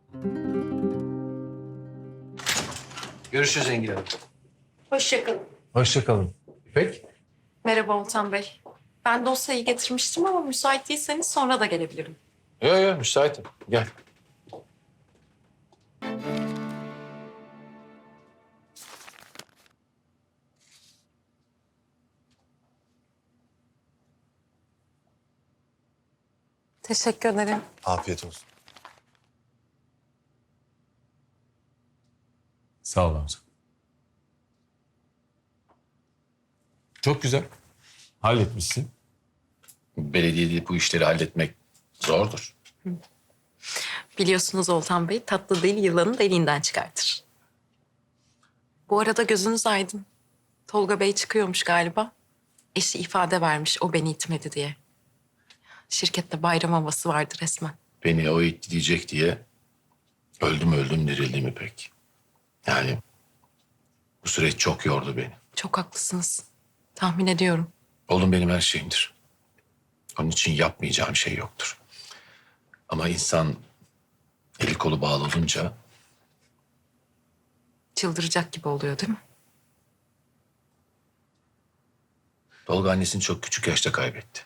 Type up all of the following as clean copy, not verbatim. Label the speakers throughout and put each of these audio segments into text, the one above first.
Speaker 1: Görüşürüz Engin Hanım.
Speaker 2: Hoşça kalın.
Speaker 1: Hoşça kalın. İpek?
Speaker 2: Merhaba Oltan Bey. Ben dosyayı getirmiştim ama müsait değilseniz sonra da gelebilirim.
Speaker 1: Yok müsaitim. Gel.
Speaker 2: Teşekkür ederim.
Speaker 3: Afiyet olsun.
Speaker 4: Sağ ol Hamza. Çok güzel. Halletmişsin.
Speaker 5: Belediyede bu işleri halletmek zordur.
Speaker 2: Biliyorsunuz Oltan Bey, tatlı dil yılanı deliğinden çıkartır. Bu arada gözünüz aydın. Tolga Bey çıkıyormuş galiba. Eşi ifade vermiş o beni itmedi diye. Şirkette bayram havası vardı resmen.
Speaker 5: Beni o itti diyecek diye öldüm dirildim İpek. Yani bu süreç çok yordu beni.
Speaker 2: Çok haklısınız. Tahmin ediyorum.
Speaker 5: Oğlum benim her şeyimdir. Onun için yapmayacağım şey yoktur. Ama insan eli kolu bağlı olunca
Speaker 2: Çıldıracak gibi oluyor değil mi?
Speaker 5: Tolga annesini çok küçük yaşta kaybetti.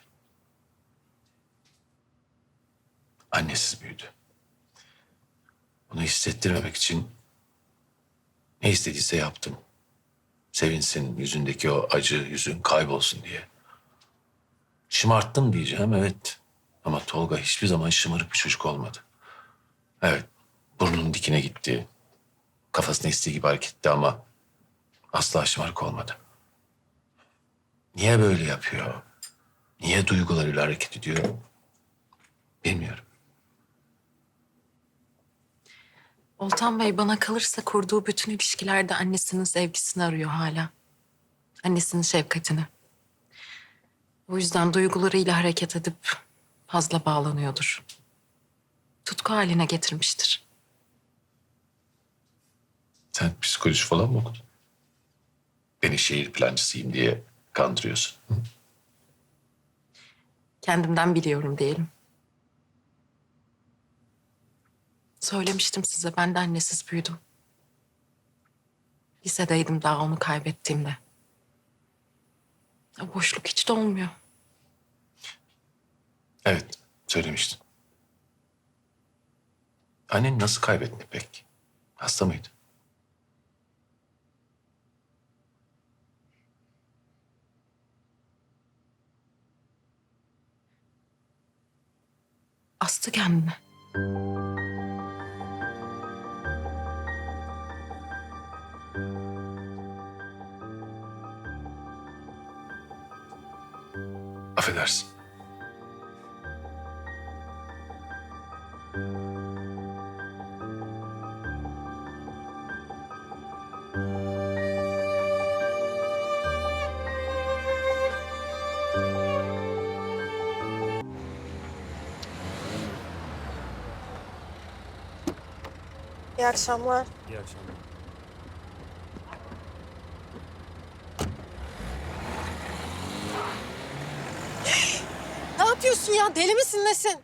Speaker 5: Annesiz büyüdü. Bunu hissettirmemek için ne istediyse yaptım. Sevinsin, yüzündeki o acı yüzün kaybolsun diye. Şımarttım diyeceğim, evet. Ama Tolga hiçbir zaman şımarık bir çocuk olmadı. Evet, burnunun dikine gitti. Kafasına istediği gibi hareket etti ama asla şımarık olmadı. Niye böyle yapıyor? Niye duygularıyla hareket ediyor? Bilmiyorum.
Speaker 2: Oltan Bey bana kalırsa kurduğu bütün ilişkilerde annesinin sevgisini arıyor hala. Annesinin şefkatini. O yüzden duygularıyla hareket edip fazla bağlanıyordur. Tutku haline getirmiştir.
Speaker 5: Sen psikoloji falan mı okudun? Beni şehir plancısıyım diye kandırıyorsun. Hı?
Speaker 2: Kendimden biliyorum diyelim. Söylemiştim size ben de annesiz büyüdüm. Lisedeydim daha onu kaybettiğimde. O boşluk hiç dolmuyor.
Speaker 5: Evet, söylemiştin. Annen nasıl kaybettin pek? Hasta mıydı?
Speaker 2: Astı kendini.
Speaker 5: Affedersin.
Speaker 6: İyi akşamlar.
Speaker 4: İyi akşamlar.
Speaker 6: Ne yapıyorsun ya? Deli misin nesin?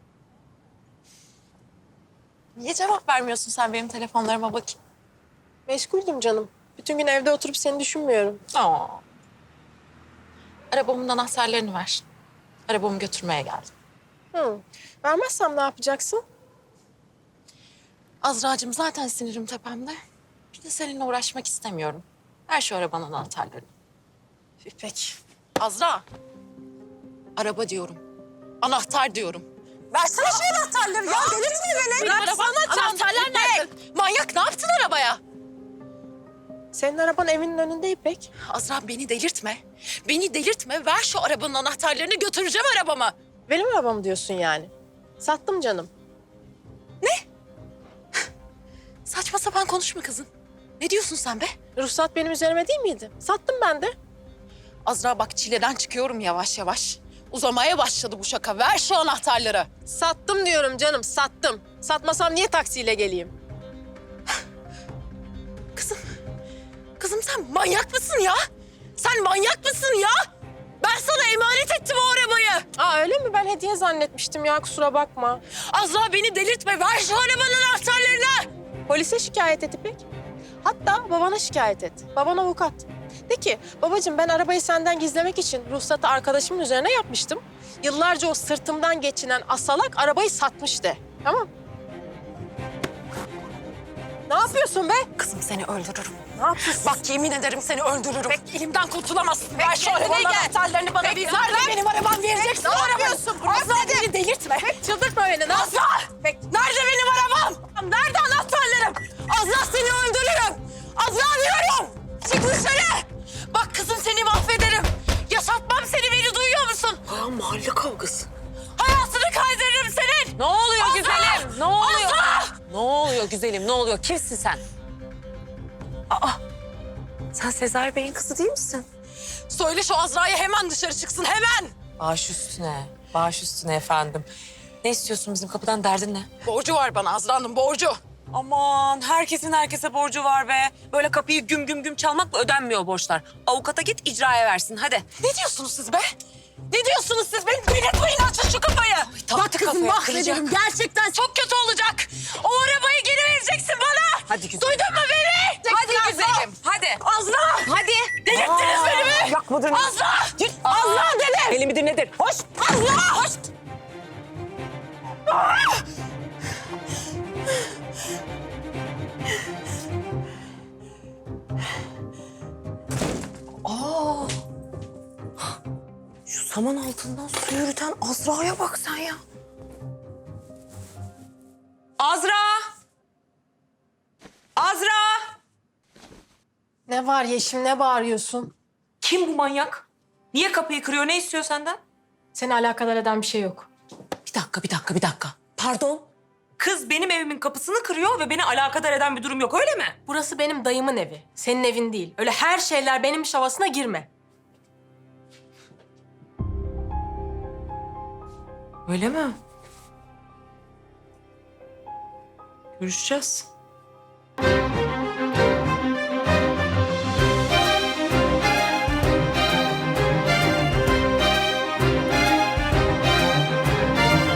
Speaker 2: Niye cevap vermiyorsun sen benim telefonlarıma bakayım?
Speaker 6: Meşguldüm canım. Bütün gün evde oturup seni düşünmüyorum.
Speaker 2: Aa. Arabamın anahtarlarını ver. Arabamı götürmeye geldim.
Speaker 6: Hı. Vermezsem ne yapacaksın?
Speaker 2: Azra'cığım zaten sinirim tepemde. Bir de seninle uğraşmak istemiyorum. Ver şu arabanın anahtarlarını.
Speaker 6: İpek.
Speaker 2: Azra. Araba diyorum. Anahtar diyorum.
Speaker 6: Versene şu anahtarları ya. Delirtme beni.
Speaker 2: Benim arabanın anahtarlar nerede? Manyak ne yaptın arabaya?
Speaker 6: Senin araban evinin önünde İpek.
Speaker 2: Azra beni delirtme. Beni delirtme. Ver şu arabanın anahtarlarını götüreceğim arabama.
Speaker 6: Benim arabam diyorsun yani. Sattım canım.
Speaker 2: Saçma sapan konuşma kızım. Ne diyorsun sen be?
Speaker 6: Ruhsat benim üzerime değil miydi? Sattım ben de.
Speaker 2: Azra bak çileden çıkıyorum yavaş yavaş. Uzamaya başladı bu şaka. Ver şu anahtarları.
Speaker 6: Sattım diyorum canım, sattım. Satmasam niye taksiyle geleyim?
Speaker 2: Kızım, kızım sen manyak mısın ya? Sen manyak mısın ya? Ben sana emanet ettim o arabayı.
Speaker 6: Aa öyle mi? Ben hediye zannetmiştim ya, kusura bakma.
Speaker 2: Azra beni delirtme. Ver şu arabanın anahtarlarını.
Speaker 6: Polise şikayet et İpek. Hatta babana şikayet et. Baban avukat. De ki babacığım ben arabayı senden gizlemek için ruhsatı arkadaşımın üzerine yapmıştım. Yıllarca o sırtımdan geçinen asalak arabayı satmış de. Tamam. Ne yapıyorsun be?
Speaker 2: Kızım seni öldürürüm.
Speaker 6: Ne yapıyorsun?
Speaker 2: Bak yemin ederim seni öldürürüm.
Speaker 6: Elimden kurtulamazsın. Ver şu
Speaker 2: kendine
Speaker 6: arabanın
Speaker 2: gel.
Speaker 6: anahtarlarını bana bir.
Speaker 2: Nerede benim arabam vereceksin?
Speaker 6: Ne yapıyorsun?
Speaker 2: Asla beni delirtme.
Speaker 6: Çıldırtma beni. Ne
Speaker 2: Asla! Nerede benim arabam?
Speaker 6: Nerede anahtarlarım?
Speaker 2: Azra seni öldürürüm. Azra diyorum. Çık dışarı. Bak kızım seni mahvederim. Yaşatmam seni, beni duyuyor musun?
Speaker 6: Mahalle kavgası.
Speaker 2: Hayatını kaydırırım senin.
Speaker 3: Ne oluyor
Speaker 2: Azra!
Speaker 3: güzelim? Ne oluyor?
Speaker 2: Azra!
Speaker 3: Ne oluyor güzelim? Ne oluyor? Kimsin sen? Sen Sezai Bey'in kızı değil misin?
Speaker 2: Söyle şu Azra'ya hemen dışarı çıksın, hemen.
Speaker 3: Baş üstüne. Baş üstüne efendim. Ne istiyorsun bizim kapıdan, derdin ne?
Speaker 2: Borcu var bana, Azra'nın borcu.
Speaker 3: Aman herkesin herkese borcu var be. Böyle kapıyı güm güm güm çalmakla ödenmiyor borçlar. Avukata git icraya versin hadi.
Speaker 2: Ne diyorsunuz siz be? Ne diyorsunuz siz? Beni delirtmeyin, açın şu kapıyı. Bak kızım
Speaker 3: kafaya,
Speaker 2: mahvederim. Gerçekten çok kötü olacak. O arabayı geri vereceksin bana.
Speaker 3: Hadi güzelim.
Speaker 2: Duydun mu beni?
Speaker 3: Hadi güzelim. Hadi.
Speaker 2: Azra!
Speaker 3: Hadi.
Speaker 2: Delirttiniz beni mi?
Speaker 3: Yak mıdır?
Speaker 2: Azra! Azra dedim!
Speaker 3: Deli midir nedir? Hoş.
Speaker 2: Azra! Hoş!
Speaker 3: Şu saman altından su yürüten Azra'ya bak sen ya. Azra! Azra!
Speaker 6: Ne var Yeşim, ne bağırıyorsun?
Speaker 3: Kim bu manyak? Niye kapıyı kırıyor? Ne istiyor senden?
Speaker 6: Seni alakadar eden bir şey yok.
Speaker 3: Bir dakika. Pardon? Kız benim evimin kapısını kırıyor ve beni alakadar eden bir durum yok, öyle mi?
Speaker 6: Burası benim dayımın evi. Senin evin değil. Öyle her şeyler benim iş havasına girme.
Speaker 3: Öyle mi? Görüşeceğiz.